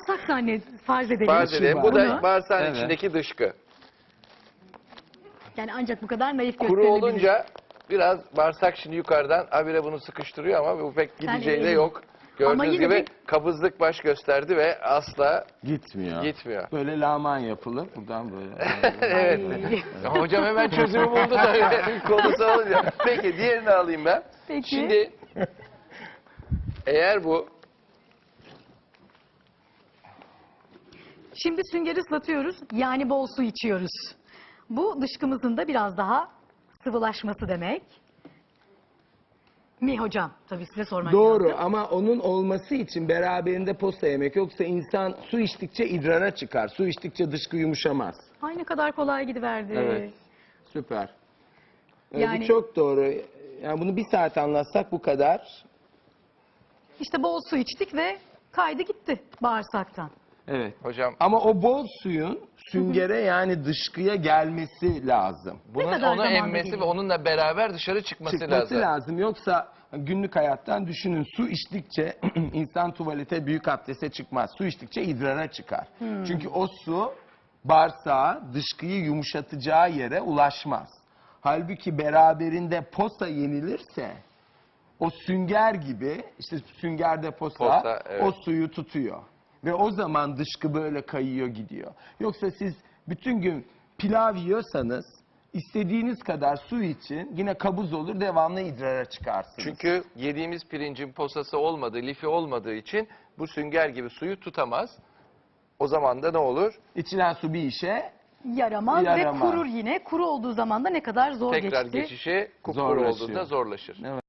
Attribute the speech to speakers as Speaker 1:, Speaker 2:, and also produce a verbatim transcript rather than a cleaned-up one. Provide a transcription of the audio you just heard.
Speaker 1: bağırsak zannet farz edelim.
Speaker 2: Farz edelim. Bu da
Speaker 1: Bunu.
Speaker 2: bağırsağın
Speaker 3: Evet.
Speaker 2: içindeki dışkı.
Speaker 1: Yani ancak bu kadar naif
Speaker 2: Kuru
Speaker 1: gösterilebilir.
Speaker 2: olunca biraz bağırsak şimdi yukarıdan habire bunu sıkıştırıyor ama bu pek gideceği de
Speaker 1: elini-
Speaker 2: yok.
Speaker 1: Ama
Speaker 2: Gördüğünüz
Speaker 1: yine
Speaker 2: gibi
Speaker 1: de-
Speaker 2: kabızlık baş gösterdi ve asla
Speaker 3: Gitmiyor.
Speaker 2: gitmiyor.
Speaker 3: Böyle laman yapılır. Buradan böyle.
Speaker 2: Evet.
Speaker 1: Ay.
Speaker 2: Hocam hemen çözümü buldu tabii konusu olunca. Peki diğerini alayım ben.
Speaker 1: Peki.
Speaker 2: Şimdi eğer bu
Speaker 1: Şimdi süngeri ıslatıyoruz. Yani bol su içiyoruz. Bu dışkımızın da biraz daha sıvılaşması demek. Mi hocam? Tabii size sormak
Speaker 3: Doğru
Speaker 1: lazım.
Speaker 3: ama onun olması için beraberinde posta yemek, yoksa insan su içtikçe idrara çıkar. Su içtikçe dışkı yumuşamaz.
Speaker 1: Ay ne kadar kolay gidiverdi.
Speaker 3: Evet. Süper. Ee,
Speaker 1: Yani-
Speaker 3: Bu çok doğru. Yani bunu bir saat anlatsak bu kadar.
Speaker 1: İşte bol su içtik ve kaydı gitti bağırsaktan.
Speaker 3: Evet.
Speaker 2: hocam
Speaker 3: Ama o bol suyun süngere yani dışkıya gelmesi lazım.
Speaker 2: bunun
Speaker 1: kadar
Speaker 2: onu
Speaker 1: zamanda
Speaker 2: emmesi ve
Speaker 1: geliyor?
Speaker 2: onunla beraber dışarı çıkması,
Speaker 3: Çıkması
Speaker 2: lazım.
Speaker 3: lazım. Yoksa günlük hayattan düşünün, su içtikçe insan tuvalete, büyük abdeste çıkmaz. Su içtikçe idrara çıkar. Çünkü o su bağırsağa dışkıyı yumuşatacağı yere ulaşmaz. Halbuki beraberinde posa yenilirse o sünger gibi, işte süngerde posa,
Speaker 2: Posa, evet.
Speaker 3: o suyu tutuyor. Ve o zaman dışkı böyle kayıyor gidiyor. Yoksa siz bütün gün pilav yiyorsanız istediğiniz kadar su için yine kabuz olur, devamlı idrara çıkarsınız.
Speaker 2: Çünkü yediğimiz pirincin posası olmadığı, lifi olmadığı için bu sünger gibi suyu tutamaz. O zaman da ne olur?
Speaker 3: İçilen su bir işe
Speaker 1: Yaramaz,
Speaker 3: Yaramaz.
Speaker 1: ve kurur yine. Kuru olduğu zaman da ne kadar zor
Speaker 2: Tekrar
Speaker 1: geçti.
Speaker 2: geçişi kupkuru
Speaker 3: Zorlaşıyor.
Speaker 2: olduğunda zorlaşır.
Speaker 3: Evet.